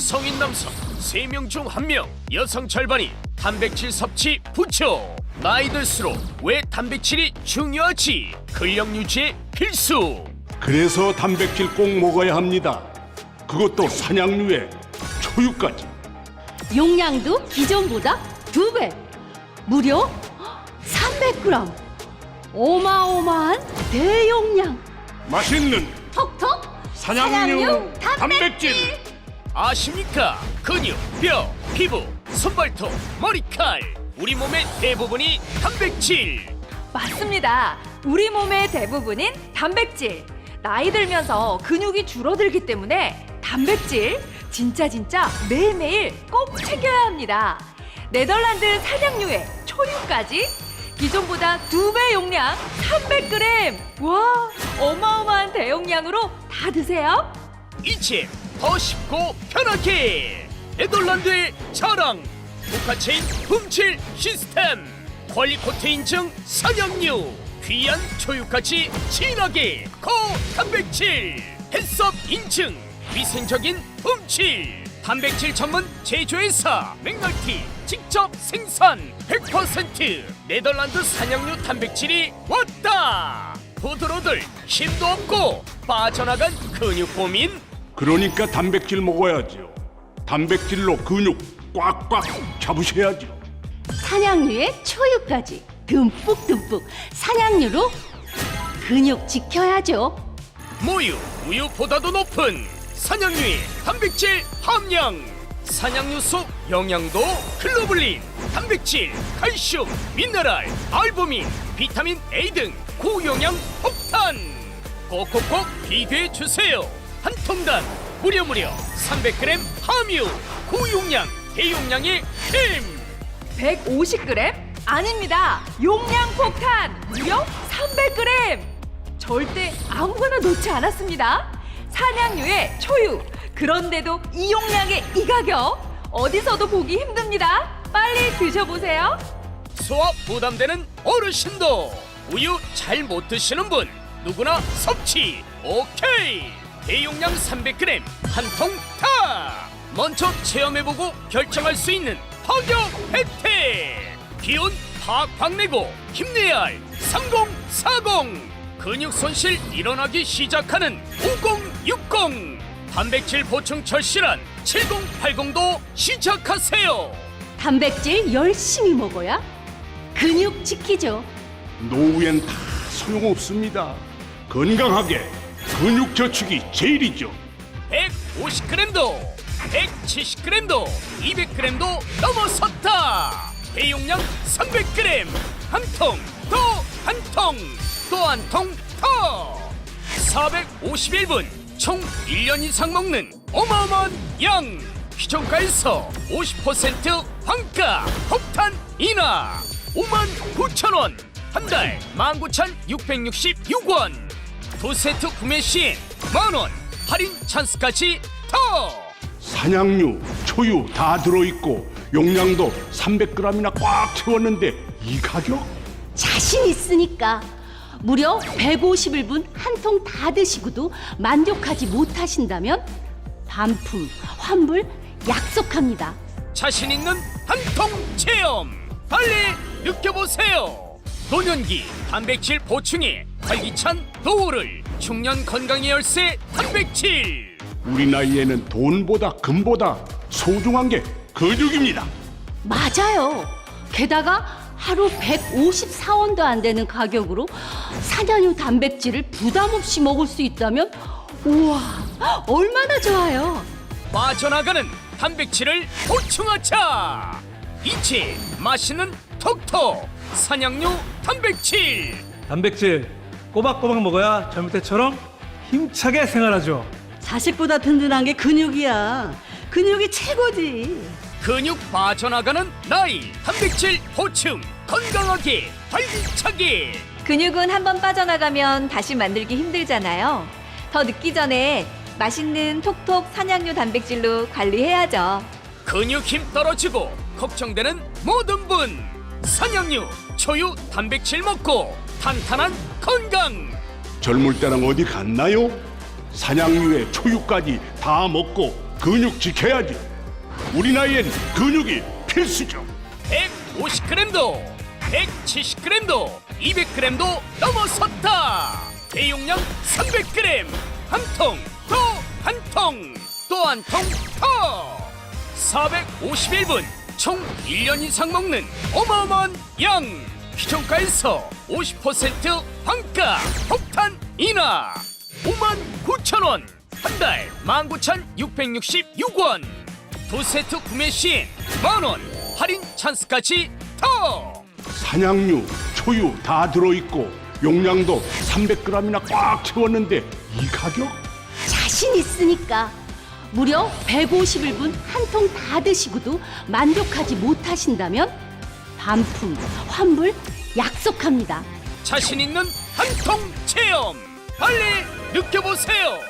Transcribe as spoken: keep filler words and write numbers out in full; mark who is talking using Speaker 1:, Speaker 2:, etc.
Speaker 1: 성인 남성 세 명 중 한 명, 여성 절반이 단백질 섭취 부족. 나이 들수록 왜 단백질이 중요하지? 근력 유지에 필수.
Speaker 2: 그래서 단백질 꼭 먹어야 합니다. 그것도 산양류에 초유까지.
Speaker 3: 용량도 기존보다 두 배, 무려 삼백 그램. 어마어마한 대용량.
Speaker 2: 맛있는
Speaker 3: 톡톡
Speaker 2: 산양류 단백질.
Speaker 1: 아십니까? 근육, 뼈, 피부, 손발톱, 머리칼, 우리 몸의 대부분이 단백질.
Speaker 4: 맞습니다. 우리 몸의 대부분인 단백질. 나이 들면서 근육이 줄어들기 때문에 단백질 진짜 진짜 매일매일 꼭 챙겨야 합니다. 네덜란드 산양류의 초유까지 기존보다 두 배 용량 삼백 그램. 와, 어마어마한 대용량으로 다 드세요.
Speaker 1: 이제 더 쉽고 편하게 네덜란드의 자랑 국가체인 품질 시스템 퀄리코트 인증 산양류 귀한 초유까지 진하게 고단백질 햇섭 인증 위생적인 품질 단백질 전문 제조회사 맥널티 직접 생산 백 퍼센트 네덜란드 산양류 단백질이 왔다. 부드러들 힘도 없고 빠져나간 근육 고민.
Speaker 2: 그러니까 단백질 먹어야죠. 단백질로 근육 꽉꽉 잡으셔야죠.
Speaker 3: 산양류에 초유까지 듬뿍듬뿍. 산양류로 근육 지켜야죠.
Speaker 1: 모유, 우유보다도 높은 산양류의 단백질 함량. 산양류 속 영양도 글로불린, 단백질, 칼슘, 미네랄, 알부민, 비타민 A 등 고영양 폭탄. 꼭꼭꼭 비교해 주세요. 한 통당 무려 무려 삼백 그램 함유, 고용량, 대용량의 힘.
Speaker 4: 백오십 그램? 아닙니다. 용량 폭탄 무려 삼백 그램. 절대 아무거나 놓지 않았습니다. 산양류의 초유. 그런데도 이 용량의 이 가격 어디서도 보기 힘듭니다. 빨리 드셔보세요.
Speaker 1: 소화 부담되는 어르신도 우유 잘 못 드시는 분 누구나 섭취 오케이. 대용량 삼백 그램 한 통 다. 먼저 체험해보고 결정할 수 있는 파격 혜택. 기운 팍팍 내고 힘내야 할 삼공사공. 근육 손실 일어나기 시작하는 오공육공. 단백질 보충 절실한 칠공팔공도 시작하세요.
Speaker 3: 단백질 열심히 먹어야 근육 지키죠.
Speaker 2: 노후엔 다 소용없습니다. 건강하게 근육 저축이 제일이죠.
Speaker 1: 백오십 그램도 백칠십 그램도 이백 그램도 넘어섰다. 대용량 삼백 그램 한 통 또 한 통 또 한 통 더. 사백오십일 분 총 일 년 이상 먹는 어마어마한 양. 기존가에서 오십 퍼센트 환가 폭탄 인하 오만 구천 원. 한 달 만 구천육백육십육 원. 두 세트 구매 시엔 만 원 할인 찬스까지 더.
Speaker 2: 산양류, 초유 다 들어있고 용량도 삼백 그램이나 꽉 채웠는데 이 가격?
Speaker 3: 자신 있으니까. 무려 백오십일 분 한 통 다 드시고도 만족하지 못하신다면 반품, 환불 약속합니다.
Speaker 1: 자신 있는 한 통 체험 빨리 느껴보세요. 노년기 단백질 보충에 활기찬 노후를 중년 건강의 열쇠 단백질.
Speaker 2: 우리 나이에는 돈보다 금보다 소중한 게 근육입니다.
Speaker 3: 맞아요. 게다가 하루 백오십사 원도 안 되는 가격으로 산양유 단백질을 부담 없이 먹을 수 있다면 우와, 얼마나 좋아요.
Speaker 1: 빠져나가는 단백질을 보충하자. 이제 맛있는 톡톡 산양류 단백질.
Speaker 5: 단백질 꼬박꼬박 먹어야 젊을 때처럼 힘차게 생활하죠.
Speaker 6: 자식보다 든든한 게 근육이야. 근육이 최고지.
Speaker 1: 근육 빠져나가는 나이 단백질 보충 건강하게 활기차게.
Speaker 4: 근육은 한번 빠져나가면 다시 만들기 힘들잖아요. 더 늦기 전에 맛있는 톡톡 산양류 단백질로 관리해야죠.
Speaker 1: 근육 힘 떨어지고 걱정되는 모든 분 산양류 초유 단백질 먹고 탄탄한 건강.
Speaker 2: 젊을 때랑 어디 갔나요? 산양류에 초유까지 다 먹고 근육 지켜야지. 우리 나이엔 근육이 필수죠.
Speaker 1: 백오십 그램도 백칠십 그램도 이백 그램도 넘어섰다. 대용량 삼백 그램 한 통 또 한 통 또 한 통 더 사백오십일 분 총 일 년 이상 먹는 어마어마한 양. 기존가에서 오십 퍼센트 환가 폭탄 인하 오만 구천 원 한 달 만 구천육백육십육 원 두 세트 구매 시엔 만 원 할인 찬스까지 더.
Speaker 2: 산양류, 초유 다 들어있고 용량도 삼백 그램이나 꽉 채웠는데 이 가격?
Speaker 3: 자신 있으니까 무려 백오십일 분 한 통 다 드시고도 만족하지 못하신다면 반품, 환불 약속합니다.
Speaker 1: 자신 있는 한 통 체험 빨리 느껴보세요.